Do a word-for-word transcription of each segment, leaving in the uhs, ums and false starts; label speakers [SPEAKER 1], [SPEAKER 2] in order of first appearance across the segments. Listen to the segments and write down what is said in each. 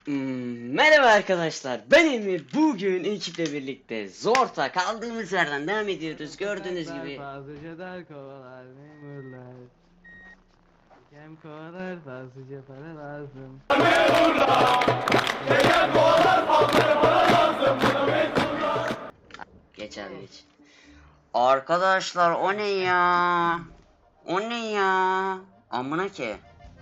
[SPEAKER 1] Hmm, merhaba arkadaşlar, ben Emir. Bugün ekiple birlikte Zorta kaldığımız yerden devam ediyoruz. Gördüğünüz gibi.
[SPEAKER 2] Fazlaca dar kovalar memurlar. Hem kovalar fazlaca para lazım.
[SPEAKER 1] Geç abi geç. Arkadaşlar o ne ya? O ne ya? Amına ki.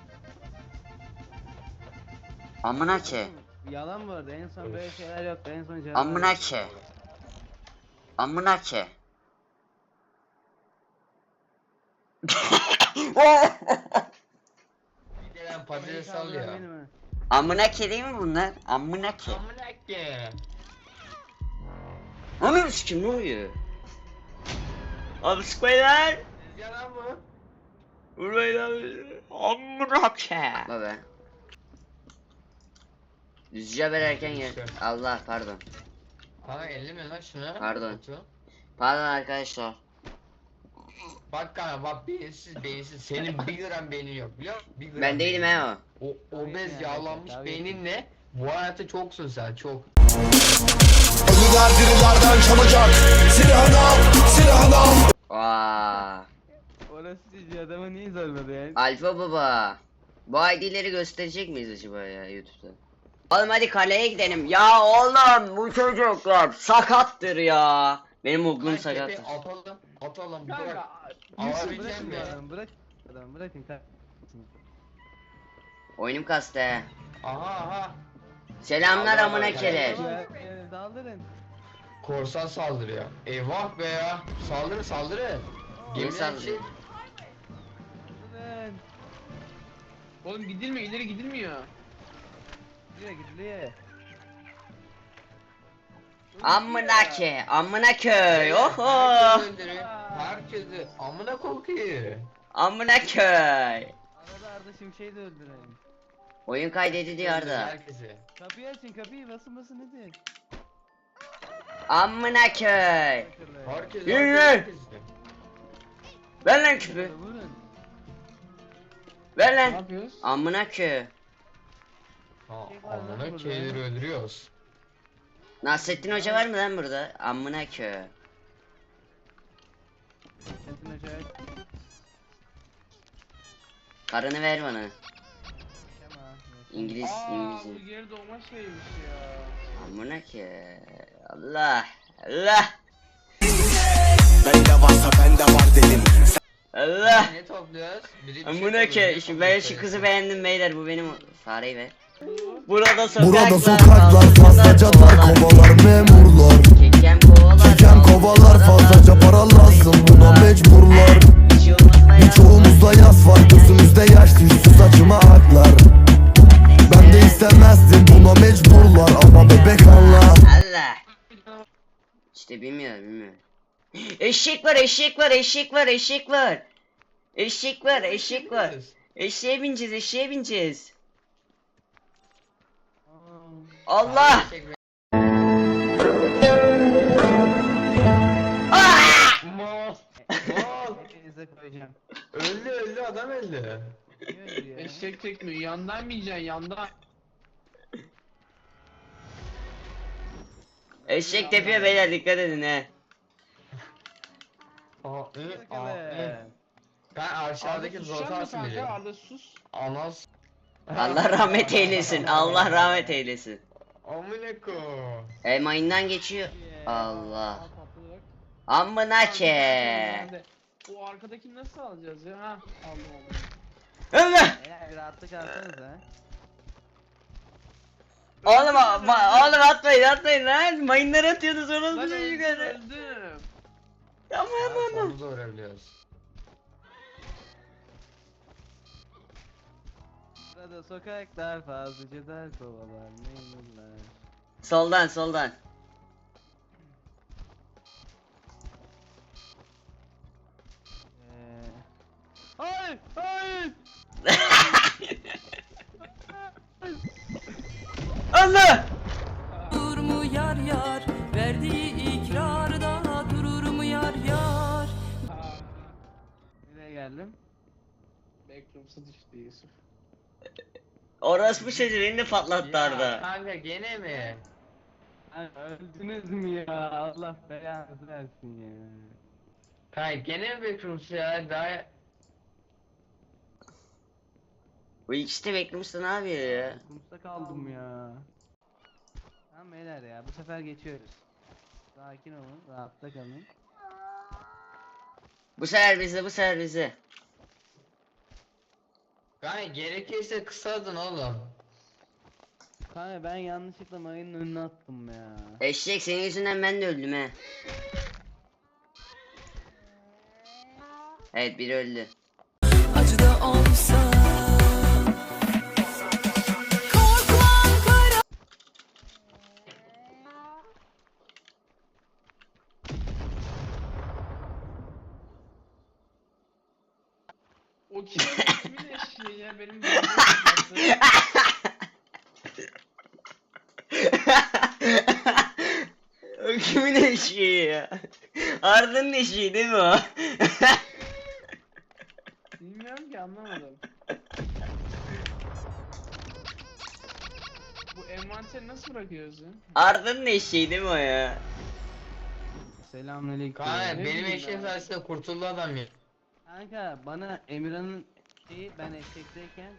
[SPEAKER 1] Amına ki.
[SPEAKER 2] Yalan bu arada, en son böyle şeyler yoktu, en son canavar.
[SPEAKER 1] Amına ki. Amına ki.
[SPEAKER 3] Gelen patates sallıyor.
[SPEAKER 1] Amına ki değil mi bunlar? Amına ki.
[SPEAKER 3] Amına ki.
[SPEAKER 1] Ananı sikim ne oluyor? Abi sıkmayın lan.
[SPEAKER 3] Yalan mı?
[SPEAKER 1] Vurmayın abi. Amına ki. Baba. Düzce haber erken gel. Allah pardon.
[SPEAKER 3] Kanka elleme lan şuna.
[SPEAKER 1] Pardon.
[SPEAKER 3] Otu.
[SPEAKER 1] Pardon arkadaşlar.
[SPEAKER 3] Bak kanka bak beyinsiz beyinsiz. Senin bir gram beynin yok biliyor musun? Bir gram
[SPEAKER 1] Ben değilim
[SPEAKER 3] beynin
[SPEAKER 1] he
[SPEAKER 3] yok.
[SPEAKER 1] o.
[SPEAKER 3] O obez
[SPEAKER 2] yani,
[SPEAKER 3] yağlanmış
[SPEAKER 2] tabii.
[SPEAKER 3] beyninle bu hayatta çoksun sen çok.
[SPEAKER 4] Ölüler dirilerden çalacak. Silahını al, silahını al.
[SPEAKER 1] Vaa.
[SPEAKER 2] Orası cici, adamı niye zorladı yani?
[SPEAKER 1] Alfa baba. Bu I D'leri gösterecek miyiz acaba ya YouTube'da? Oğlum hadi kaleye gidelim. Ya oğlum bu çocuklar sakattır ya. Benim oğlum
[SPEAKER 3] Kanka
[SPEAKER 1] sakattır.
[SPEAKER 3] tepe atalım atalım bir bırak.
[SPEAKER 2] Kanka,
[SPEAKER 3] Alabileceğim
[SPEAKER 2] bırakın
[SPEAKER 3] mi?
[SPEAKER 2] adamı, bırak adamı, bırakın kanka.
[SPEAKER 1] Oyunum kastı he.
[SPEAKER 3] Aha aha.
[SPEAKER 1] Selamlar
[SPEAKER 3] Allah
[SPEAKER 1] amına
[SPEAKER 3] Allah.
[SPEAKER 1] keler.
[SPEAKER 2] Ee, Daldırın.
[SPEAKER 3] Korsan saldırıyor. Eyvah be ya. Saldırı saldırı.
[SPEAKER 1] Niye
[SPEAKER 3] Gemiden
[SPEAKER 1] saldırıyor?
[SPEAKER 3] çık.
[SPEAKER 2] Daldırın.
[SPEAKER 5] Oğlum gidilmiyor, ileri gidilmiyor.
[SPEAKER 2] Gidiyor gidiyor.
[SPEAKER 1] Amına ke. Amına köy. Oho.
[SPEAKER 3] Herkes öldürüyor. Herkesi amına kokuyor.
[SPEAKER 1] Amına köy.
[SPEAKER 2] Arada Arda Şimşek'i de öldürelim.
[SPEAKER 1] Oyun kaydediliyor Arda.
[SPEAKER 3] Herkesi.
[SPEAKER 2] Kapıyı açın, kapıyı basın basın hadi.
[SPEAKER 1] Amına köy.
[SPEAKER 3] Herkes
[SPEAKER 1] Yürü.
[SPEAKER 3] herkes.
[SPEAKER 1] Ver lan küpü.
[SPEAKER 2] Vurun.
[SPEAKER 1] Ver
[SPEAKER 5] Ne
[SPEAKER 1] lan.
[SPEAKER 5] yapıyoruz?
[SPEAKER 1] Amına köy.
[SPEAKER 3] Ha, amına keyleri öldürüyoruz.
[SPEAKER 1] Nasrettin Hoca var mı lan burada? Amına köy.
[SPEAKER 2] Sentin acayip.
[SPEAKER 1] Karını ver bana.
[SPEAKER 2] Şema.
[SPEAKER 1] İngiliz,
[SPEAKER 5] Aa,
[SPEAKER 1] İngiliz.
[SPEAKER 5] bu geri doğma şeymiş ya.
[SPEAKER 1] Amına ki. Allah. Allah.
[SPEAKER 4] Bende varsa bende var dedim.
[SPEAKER 1] Allah.
[SPEAKER 3] Ne topluyoruz? Biri bir şey
[SPEAKER 1] Amına
[SPEAKER 3] topluyor,
[SPEAKER 1] ki.
[SPEAKER 3] ne
[SPEAKER 1] Şu
[SPEAKER 3] topluyor
[SPEAKER 1] ben şu
[SPEAKER 3] sayısı?
[SPEAKER 1] kızı beğendim beyler. Bu benim fareyi ver. Burada sokaklar.
[SPEAKER 4] Burada sokaklar fazlaca dar kovalar memurlar.
[SPEAKER 1] Kekem kovalar.
[SPEAKER 4] Çeken kovalar fazlaca para lazım buna mecburlar. Birçoğumuzda yas var gözümüzde yaş düştü saçıma aklar. Ben de istemezdim buna mecburlar ama bebek anla.
[SPEAKER 1] Allah. İşte bilmiyor bilmiyor. Eşek var eşek var eşek var eşek var. Eşek var eşek var. Eşeğe bineceğiz eşeğe bineceğiz. Allah.
[SPEAKER 3] Mal. Mal.
[SPEAKER 2] Hepinize koyacağım.
[SPEAKER 3] Öldü öldü adam öldü.
[SPEAKER 2] Niye öyle ya?
[SPEAKER 5] Eşek çekmiyor, yandan mı yiyeceksin, yandan?
[SPEAKER 1] Eşek tepiyor beyler dikkat edin he.
[SPEAKER 3] Aa, ı,
[SPEAKER 2] Bakalım.
[SPEAKER 3] aa, ı. Ben aşağıdaki
[SPEAKER 5] Arda susacak mı
[SPEAKER 3] zotarsın biri.
[SPEAKER 5] kanka? Arda sus.
[SPEAKER 3] Anas.
[SPEAKER 1] Allah rahmet eylesin. Allah rahmet eylesin.
[SPEAKER 3] Amına ko.
[SPEAKER 1] E mayından geçiyor. Allah.
[SPEAKER 5] Aa, patladı bak.
[SPEAKER 1] Amına ke.
[SPEAKER 5] Nerede? O arkadakini nasıl alacağız ya? Ha, aldım aldım.
[SPEAKER 1] Allah.
[SPEAKER 2] Beyler bir rahatlık alsanıza.
[SPEAKER 1] Oğlum, ma- oğlum atmayın atmayın lan. Mayınları atıyorsunuz
[SPEAKER 5] Lan
[SPEAKER 1] orası
[SPEAKER 5] öldüm,
[SPEAKER 1] yukarı.
[SPEAKER 5] öldüm.
[SPEAKER 1] Ama ama ama.
[SPEAKER 3] Onu da öğrenebiliyoruz.
[SPEAKER 2] Burada sokaklar fazlaca dar kovalar memurlar.
[SPEAKER 1] Soldan soldan.
[SPEAKER 2] Eee... Hayır! Hayır!
[SPEAKER 1] Allah.
[SPEAKER 6] Durur mu yar yar verdiği ikrarda durur mu yar yar.
[SPEAKER 5] Aa,
[SPEAKER 2] Nereye geldim?
[SPEAKER 5] Backrooms'a düştü Yusuf.
[SPEAKER 1] Orospu çocuğu beni de patlattı
[SPEAKER 3] Ya
[SPEAKER 1] Arda.
[SPEAKER 3] kanka gene mi?
[SPEAKER 2] Lan öldünüz mü ya? Allah belanızı versin ya.
[SPEAKER 3] Kanka gene mi bekliyorsun ya? Daha...
[SPEAKER 1] Bu ikisi de beklemişsin abi ya.
[SPEAKER 2] Kumsta kaldım ya. Tamam beyler ya, bu sefer geçiyoruz. Sakin olun, rahatta kalın.
[SPEAKER 1] Bu sefer bizi, bu sefer bizi.
[SPEAKER 3] Kanka gerekirse kısadın oğlum.
[SPEAKER 2] Kanka ben yanlışlıkla mayının önüne attım ya.
[SPEAKER 1] Eşek senin yüzünden ben de öldüm he. Evet biri öldü.
[SPEAKER 6] Acı da olsa korkmam kara.
[SPEAKER 5] O kimin, kimin eşeği ya benim babamın yaptığı.
[SPEAKER 1] O kimin eşeği ya? Arda'nın eşeği değil mi o?
[SPEAKER 5] Bilmiyorum ki anlamadım. Bu envanteri nasıl bırakıyorsun?
[SPEAKER 1] Arda'nın eşeği değil mi o ya?
[SPEAKER 2] Selamünaleyküm.
[SPEAKER 3] Kanka
[SPEAKER 5] Ne
[SPEAKER 3] benim
[SPEAKER 5] bileyim
[SPEAKER 3] eşeğim
[SPEAKER 5] ya.
[SPEAKER 3] sayesinde kurtuldu adam ya.
[SPEAKER 2] Kanka bana Emirhan'ın şeyi, ben eşekteyken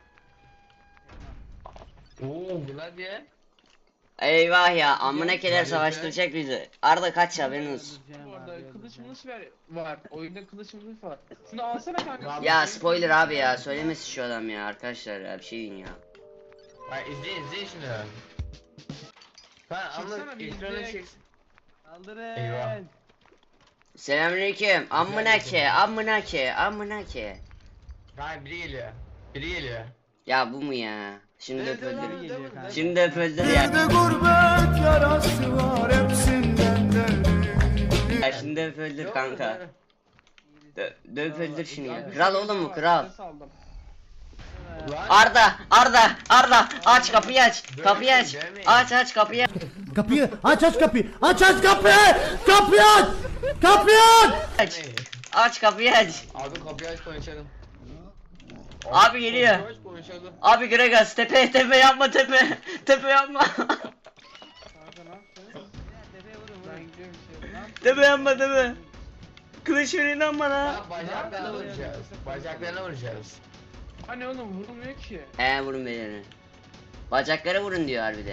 [SPEAKER 3] Oo bu ne diye?
[SPEAKER 1] Eyvah ya amına
[SPEAKER 3] Gel,
[SPEAKER 1] keler
[SPEAKER 3] gel,
[SPEAKER 1] savaştıracak bizi. Arda kaç ya haberin olsun.
[SPEAKER 2] öldüreceğim
[SPEAKER 5] Bu
[SPEAKER 2] abi,
[SPEAKER 5] arada kılıç
[SPEAKER 2] öldüreceğim.
[SPEAKER 5] mılıç ver var. Oyunda kılıç mılıç var. Şunu alsana kanka.
[SPEAKER 1] Ya spoiler abi ya söylemesin şu adam ya arkadaşlar ya bir şey deyin ya.
[SPEAKER 3] Bak izleyin izleyin şunu. Kanka ama
[SPEAKER 5] Çeksene bir
[SPEAKER 3] ekranı
[SPEAKER 5] izleyek.
[SPEAKER 3] çek.
[SPEAKER 2] Saldırın.
[SPEAKER 3] Eyvah.
[SPEAKER 1] Selamünaleyküm. Amına ke, amına ke, amına ke.
[SPEAKER 3] Kanka biri geliyor. Biri geliyor.
[SPEAKER 1] Ya bu mu ya? Şimdi
[SPEAKER 3] Evet,
[SPEAKER 1] öp öldür.
[SPEAKER 3] evet, evet, evet, evet.
[SPEAKER 1] Şimdi öp öldür ya.
[SPEAKER 4] Bir de gurbet yarası var hepsinden derin.
[SPEAKER 1] Ya şimdi öp öldür
[SPEAKER 3] Yok,
[SPEAKER 1] kanka.
[SPEAKER 3] yok.
[SPEAKER 1] Dö döp öldür şunu ya.
[SPEAKER 5] Kanka,
[SPEAKER 1] Kral
[SPEAKER 5] şöyle
[SPEAKER 1] oğlum mu
[SPEAKER 5] var,
[SPEAKER 1] kral?
[SPEAKER 5] ses aldım.
[SPEAKER 3] Lan.
[SPEAKER 1] Arda, Arda, Arda aç kapıyı aç.
[SPEAKER 3] Dövmeyin,
[SPEAKER 1] Kapıyı aç.
[SPEAKER 3] dövmeyin.
[SPEAKER 1] Aç aç kapıyı aç.
[SPEAKER 4] Kapıyı aç aç kapıyı. Aç aç kapıyı. Kapıyı aç. Kapıyı aç.
[SPEAKER 1] Aç. Aç kapıyı aç.
[SPEAKER 3] Abi kapıyı aç konuşalım.
[SPEAKER 1] Abi geliyor.
[SPEAKER 3] Kapıyı aç konuşalım.
[SPEAKER 1] Abi Gregas tepe tepe yapma tepe. Tepe yapma.
[SPEAKER 5] Kanka ne yaptın?
[SPEAKER 2] Tepeye vurun
[SPEAKER 5] Ben
[SPEAKER 2] vurun.
[SPEAKER 5] gidiyorum şey. Ne yaptın?
[SPEAKER 1] Tepe yapma tepe. Kılıç verin lan bana.
[SPEAKER 3] Ya bacaklarına vuracağız. Bacaklarına vuracağız.
[SPEAKER 5] Hani oğlum vurulmuyor ki.
[SPEAKER 1] He vurun beni. Bacaklara vurun diyor harbiden.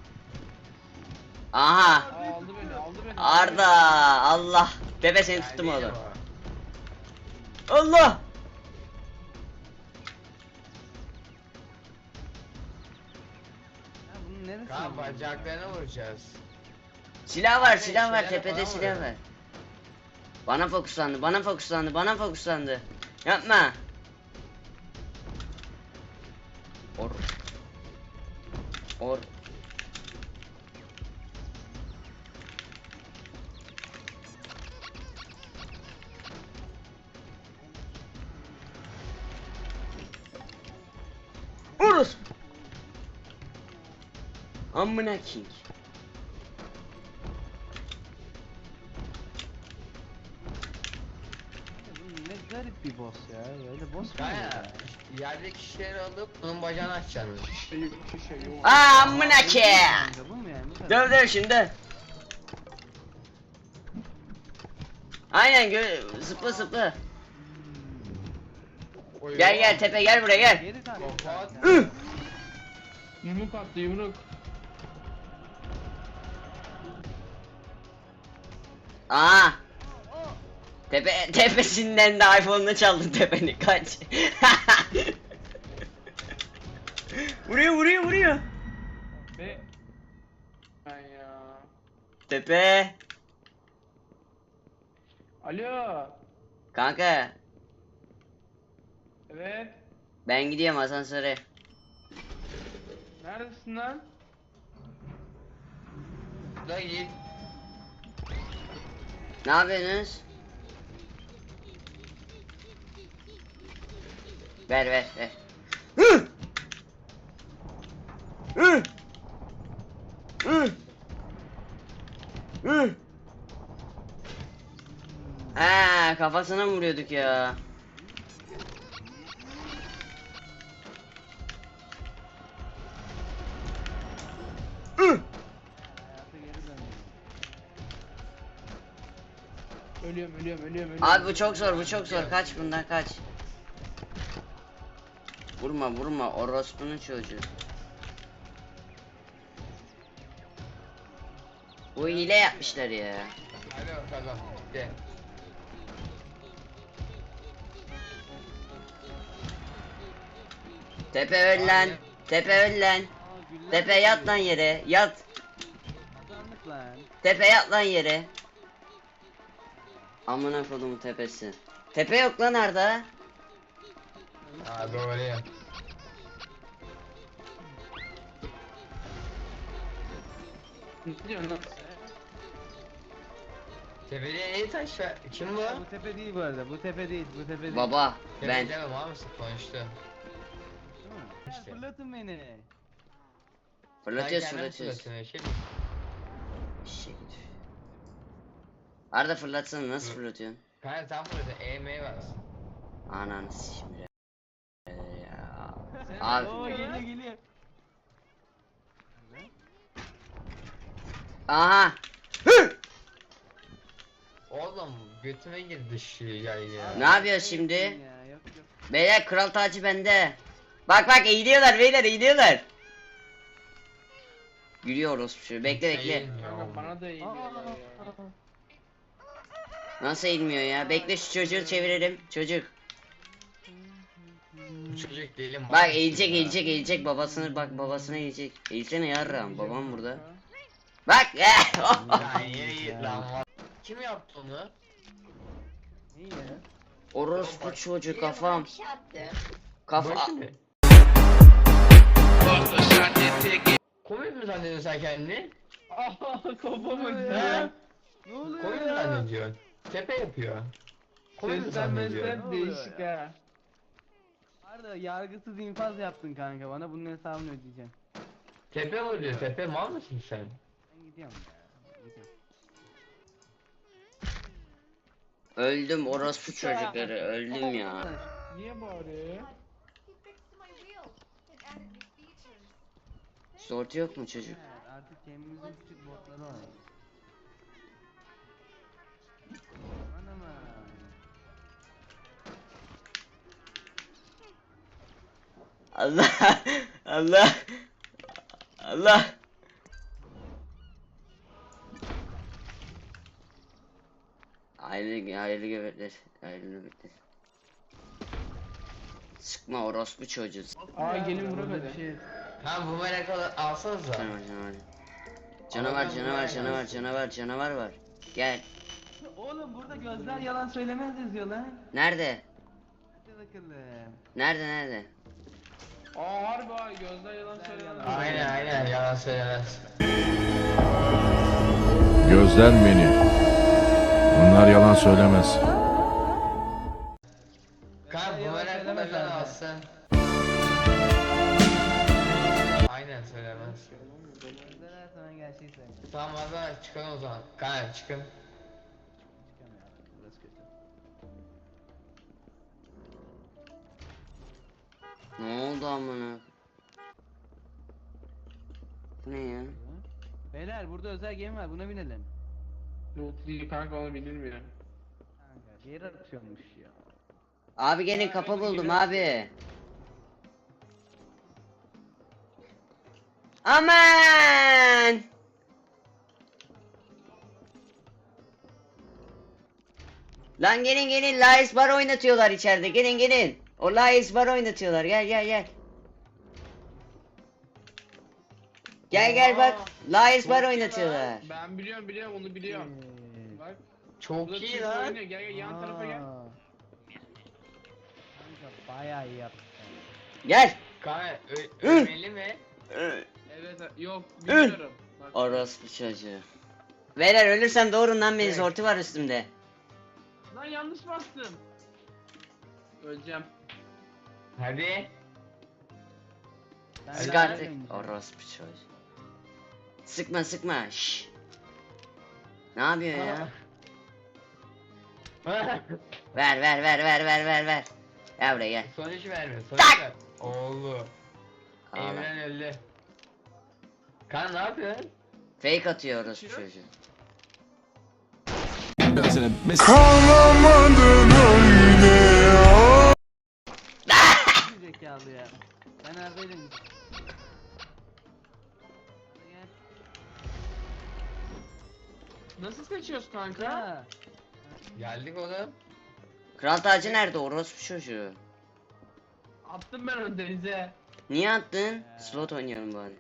[SPEAKER 1] Aha.
[SPEAKER 5] Aa, aldı beni aldı beni.
[SPEAKER 1] Arda Allah. Bebe seni tuttum
[SPEAKER 3] Yani
[SPEAKER 1] oğlum.
[SPEAKER 3] o.
[SPEAKER 1] Allah.
[SPEAKER 2] Ya bunun neresi?
[SPEAKER 3] Kanka bacaklarına vuracağız.
[SPEAKER 1] Silah var
[SPEAKER 3] Abi,
[SPEAKER 1] silah var
[SPEAKER 3] şeyler
[SPEAKER 1] tepede
[SPEAKER 3] falan
[SPEAKER 1] silah
[SPEAKER 3] var.
[SPEAKER 1] var. Bana fokuslandı bana fokuslandı bana fokuslandı. Yapma. Or. Or. Urus. Amına king.
[SPEAKER 2] Bu ne garip bir boss ya. Böyle boss mu olur
[SPEAKER 3] Kanka
[SPEAKER 2] ya?
[SPEAKER 3] yerdeki şişeleri alıp bunun bacağını açacaksın.
[SPEAKER 5] Şey yok bir şey yok.
[SPEAKER 1] Aa amına ki.
[SPEAKER 2] Kanka bu mu yani? Bu kadar.
[SPEAKER 1] Döv döv şimdi. Aynen gö zıpla zıpla.
[SPEAKER 3] Oy,
[SPEAKER 1] Gel
[SPEAKER 3] oy.
[SPEAKER 1] gel tepe gel buraya gel.
[SPEAKER 2] Geri tak.
[SPEAKER 3] Kafa at.
[SPEAKER 1] Üh!
[SPEAKER 5] Yumruk attı yumruk.
[SPEAKER 1] Aa. Tepe tepesinden de iPhone'unu çaldın tepeni kaç. vuruyor vuruyor vuruyor.
[SPEAKER 5] Ve ben ya.
[SPEAKER 1] Tepe.
[SPEAKER 5] Alo.
[SPEAKER 1] Kanka
[SPEAKER 5] Evet.
[SPEAKER 1] ben gidiyorum asansöre.
[SPEAKER 5] Neredesin lan?
[SPEAKER 3] Da git.
[SPEAKER 1] Ne yapıyorsunuz? Ver ver ver. Hı! Hı! Hı! Hı! Ha, kafasına mı vuruyorduk ya?
[SPEAKER 5] ölüyorum ölüyorum ölüyorum.
[SPEAKER 1] Abi bu çok zor, bu çok zor. Kaç bundan kaç. Vurma vurma orospunun çocuğu. Bu hile yapmışlar ya.
[SPEAKER 3] Hadi bakalım. Gel.
[SPEAKER 1] Tepe öl lan. Tepe öl lan.
[SPEAKER 2] Aa, güller
[SPEAKER 1] Tepe yat
[SPEAKER 2] geliyor.
[SPEAKER 1] lan yere. Yat.
[SPEAKER 2] Kazandık lan.
[SPEAKER 1] Tepe yat lan yere. Amına kodumun tepesi. Tepe yok lan Arda.
[SPEAKER 3] Ha doğru ya.
[SPEAKER 5] Ne diyorsun lan?
[SPEAKER 3] Tepede ne taş var? Kim bu?
[SPEAKER 2] Bu tepe değil bu arada. Bu tepe değil. Bu tepe değil.
[SPEAKER 1] Baba
[SPEAKER 3] Ben.
[SPEAKER 1] ben.
[SPEAKER 3] Demem abi konuştu.
[SPEAKER 2] Değil mi? Ha,
[SPEAKER 3] İşte.
[SPEAKER 2] Fırlatın beni.
[SPEAKER 1] Fırlatıyoruz
[SPEAKER 3] Sen kendin
[SPEAKER 1] fırlatıyoruz.
[SPEAKER 3] fırlatıyorsun, Şey mi?
[SPEAKER 1] Eşek. Arda fırlatsana nasıl fırlatıyorsun?
[SPEAKER 3] Kanka tam fırlatıyorsun. E M var.
[SPEAKER 1] Ananı şimdi. Ya.
[SPEAKER 2] Sen-
[SPEAKER 1] Abi.
[SPEAKER 2] Oo geliyor geliyor.
[SPEAKER 1] Aha. Hı!
[SPEAKER 3] Oğlum götüme girdi şu yay ya.
[SPEAKER 1] Ne yapıyor şimdi?
[SPEAKER 2] Ya, yok yok.
[SPEAKER 1] Beyler kral tacı bende. Bak bak eğiliyorlar beyler eğiliyorlar. Gülüyoruz şu. Bekle bekle.
[SPEAKER 5] Kanka bana da iyi geliyor ya.
[SPEAKER 1] Nasıl eğilmiyor ya? Bekle şu çocuğu çevirelim. Çocuk.
[SPEAKER 3] Bu çocuk değilim.
[SPEAKER 1] Bak eğilecek eğilecek eğilecek babasını bak babasına eğilecek. Eğilsene yarram babam burada. Bak.
[SPEAKER 3] Lan yere git lan. Kim yaptı onu?
[SPEAKER 2] İyi ya.
[SPEAKER 1] Orospu çocuğu kafam. Kafa.
[SPEAKER 3] Bak şimdi. Komik mi zannediyorsun sen kendini?
[SPEAKER 5] Aha kafam
[SPEAKER 2] Ne
[SPEAKER 5] acıyor.
[SPEAKER 2] oluyor? Ne oluyor
[SPEAKER 3] Komik mi
[SPEAKER 2] ya?
[SPEAKER 3] zannediyorsun? Tepe yapıyor. Komik mi zannediyorsun?
[SPEAKER 5] Seslenmesi değişik ha.
[SPEAKER 2] Arda yargısız infaz yaptın kanka. Bana bunun hesabını ödeyeceksin.
[SPEAKER 3] Tepe oluyor tepe mal mısın sen?
[SPEAKER 2] Ben gidiyorum ya. Gidiyorum.
[SPEAKER 1] Öldüm orospu çocukları öldüm ya.
[SPEAKER 5] Niye bağırıyor?
[SPEAKER 1] Sortu yok mu çocuk?
[SPEAKER 2] Evet, artık kendimizin küçük botları var. Aman aman.
[SPEAKER 1] Allah Allah Allah. Hayırlı hayırlı göbekler. Hayırlı göbekler. Sıkma orospu çocuğu.
[SPEAKER 5] Aa gelin
[SPEAKER 2] Burada
[SPEAKER 5] vuramadı.
[SPEAKER 2] bir şey.
[SPEAKER 3] Ha bu merak alsanıza.
[SPEAKER 1] Canavar canavar. Canavar canavar canavar canavar canavar var. Gel.
[SPEAKER 2] Oğlum burada gözler yalan söylemez yazıyor lan.
[SPEAKER 1] Nerede?
[SPEAKER 2] Hadi bakalım.
[SPEAKER 1] Nerede nerede?
[SPEAKER 5] Aa harbi ha gözler yalan söylemez.
[SPEAKER 3] Aynen aynen yalan söylemez.
[SPEAKER 7] Gözden beni. Bunlar yalan söylemez.
[SPEAKER 3] Kanka bu
[SPEAKER 2] yalan
[SPEAKER 3] merak
[SPEAKER 2] söylemez
[SPEAKER 3] falan
[SPEAKER 2] zaten.
[SPEAKER 3] alsın. Aynen söylemez.
[SPEAKER 2] Gözler her zaman gerçeği söylüyor.
[SPEAKER 3] Tamam hadi çıkalım o zaman. Kanka çıkın.
[SPEAKER 2] Çıkamıyor abi. Burası kötü.
[SPEAKER 1] Ne oldu amına? Bu ne ya?
[SPEAKER 2] Beyler burada özel gemi var. Buna binelim.
[SPEAKER 5] Loot değil kanka onu bilmiyor.
[SPEAKER 2] Kanka bir yere atıyormuş ya.
[SPEAKER 1] Abi gelin kapı buldum abi. Aman! Lan gelin gelin Lais bar oynatıyorlar içeride. Gelin gelin. O Lais bar oynatıyorlar. Gel gel gel. Gel gel bak. Lais bar oynatıyorlar.
[SPEAKER 5] Ben biliyorum biliyorum onu biliyorum.
[SPEAKER 2] Ee,
[SPEAKER 5] Bak.
[SPEAKER 3] Çok
[SPEAKER 5] Burada
[SPEAKER 3] iyi
[SPEAKER 5] Türk
[SPEAKER 3] lan.
[SPEAKER 5] oynuyor. Gel gel yan tarafa gel.
[SPEAKER 2] aa. Kanka bayağı iyi yaptın.
[SPEAKER 1] Gel.
[SPEAKER 3] Kanka ö-
[SPEAKER 1] Hı.
[SPEAKER 3] ölmeli mi?
[SPEAKER 5] Evet yok bilmiyorum. Bak.
[SPEAKER 1] Orospu çocuğu. Beyler ölürsem doğurun lan beni
[SPEAKER 3] Evet.
[SPEAKER 1] zortu var üstümde.
[SPEAKER 5] Lan yanlış bastım. Öleceğim.
[SPEAKER 3] Hadi.
[SPEAKER 2] Ben
[SPEAKER 1] Sık
[SPEAKER 2] daha
[SPEAKER 1] artık.
[SPEAKER 2] ölmeyeceğim.
[SPEAKER 1] Orospu çocuğu. Sıkma sıkma. Şşş. Ne yapıyor ya? Ver ver ver ver ver ver ver. Gel buraya gel.
[SPEAKER 3] Sonuç vermiyor.
[SPEAKER 1] Tak!
[SPEAKER 3] Sonuç ver. Oğlu.
[SPEAKER 1] Ağla.
[SPEAKER 3] Emren öldü. Kan ne yapıyorsun?
[SPEAKER 1] Fake atıyor orospu çocuğu.
[SPEAKER 2] Zekalı ya. Ben neredeydim? Gel.
[SPEAKER 5] Nasıl seçiyoruz kanka?
[SPEAKER 2] Ha.
[SPEAKER 3] Geldik oğlum.
[SPEAKER 1] Kral tacı nerede orospu çocuğu?
[SPEAKER 5] Attım ben onu denize.
[SPEAKER 1] Niye attın? Slot oynayalım bari.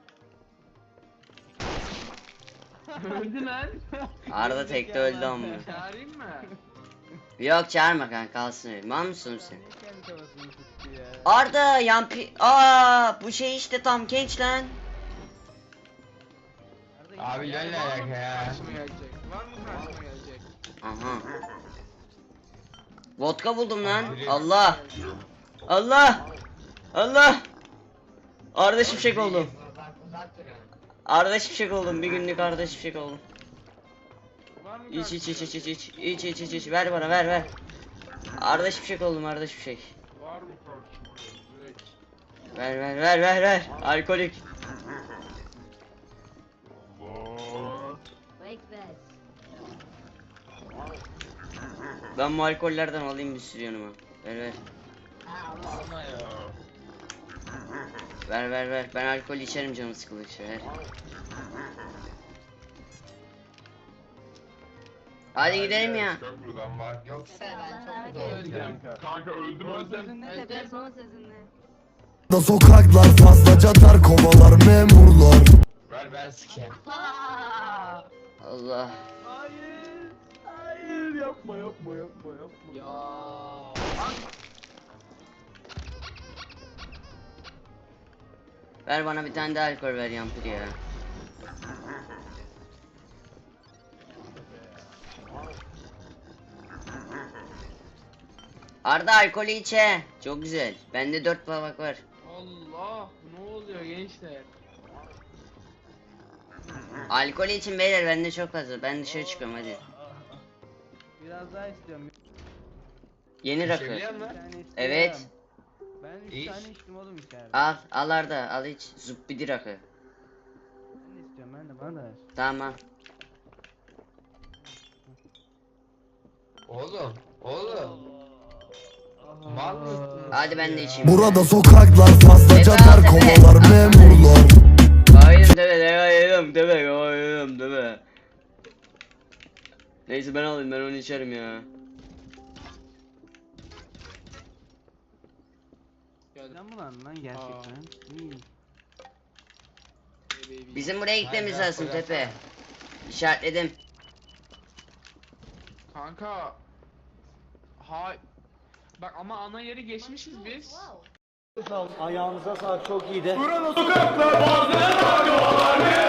[SPEAKER 5] Öldü lan.
[SPEAKER 1] Arda tekte öldü amma.
[SPEAKER 5] Çağırayım mı?
[SPEAKER 1] Yok çağırma kanka kalsın öyle. Mal mısın sen?
[SPEAKER 2] Niye kendi kafasını tuttu ya?
[SPEAKER 1] Arda yampi... Aa bu şey işte tam genç lan.
[SPEAKER 2] Arda
[SPEAKER 3] Abi
[SPEAKER 2] git.
[SPEAKER 3] gel ne
[SPEAKER 5] Var mı
[SPEAKER 3] alaka ya?
[SPEAKER 5] karşıma gelecek? Var mı karşıma gelecek?
[SPEAKER 1] Aha. Vodka buldum lan.
[SPEAKER 3] Abi,
[SPEAKER 1] Allah. Allah. Allah. Arda Şimşek oldum. Arda Şimşek oldum. Bir günlük Arda Şimşek oldum.
[SPEAKER 5] Var mı
[SPEAKER 1] İç iç
[SPEAKER 5] karşıma
[SPEAKER 1] iç iç iç iç iç iç iç iç ver bana ver ver. Arda Şimşek oldum Arda Şimşek.
[SPEAKER 5] Var mı karşıma gelecek?
[SPEAKER 1] Ver ver ver ver ver. Alkolik. Ben bu alkollerden alayım bir sürü yanıma. Ver ver. Ver ver ver. Ben alkol içerim canım sıkıldıkça ver. Hadi gidelim ya.
[SPEAKER 3] Buradan var. Yoksa ben çok
[SPEAKER 5] Öldüm. Kanka öldüm öldüm.
[SPEAKER 4] Da sokaklar fazlaca dar kovalar memurlar.
[SPEAKER 3] Ver ben sikeyim.
[SPEAKER 1] Allah.
[SPEAKER 2] Hayır. Hayır yapma yapma yapma yapma.
[SPEAKER 5] Ya.
[SPEAKER 1] Ver bana bir tane de alkol ver yampir ya. Arda alkolü içe. Çok güzel. Bende dört tabak var.
[SPEAKER 5] Allah. Ne oluyor gençler?
[SPEAKER 1] Alkolü için beyler bende çok fazla. Ben dışarı çıkıyorum hadi.
[SPEAKER 2] Biraz daha istiyorum.
[SPEAKER 1] Yeni rakı.
[SPEAKER 3] İçebiliyor
[SPEAKER 2] Bir
[SPEAKER 3] musun?
[SPEAKER 2] tane istiyorum.
[SPEAKER 1] Evet.
[SPEAKER 2] Ben üç
[SPEAKER 3] İç.
[SPEAKER 2] tane içtim oğlum içeride.
[SPEAKER 1] Al al Arda al iç. Zubbidi rakı.
[SPEAKER 2] Ben de istiyorum ben de bana da ver.
[SPEAKER 1] Tamam.
[SPEAKER 3] Oğlum. Oğlum. Mal mısın?
[SPEAKER 1] Hadi ben de içeyim.
[SPEAKER 4] Burada sokaklar fazlaca dar kovalar memurlar.
[SPEAKER 1] Hayır deme deme hayır deme hayır deme. Neyse ben alayım ben onu içerim ya.
[SPEAKER 5] Geldim.
[SPEAKER 2] Lan bulan lan gerçekten. İyi.
[SPEAKER 1] Bizim buraya gitmemiz
[SPEAKER 3] Hayır,
[SPEAKER 1] lazım
[SPEAKER 3] alkol
[SPEAKER 1] Tepe.
[SPEAKER 3] yapsana.
[SPEAKER 1] İşaretledim.
[SPEAKER 5] Kanka. Hay. Bak ama ana yeri geçmişiz biz.
[SPEAKER 8] Ayağınıza sağlık çok iyiydi.
[SPEAKER 9] Buranın sokaklar bazı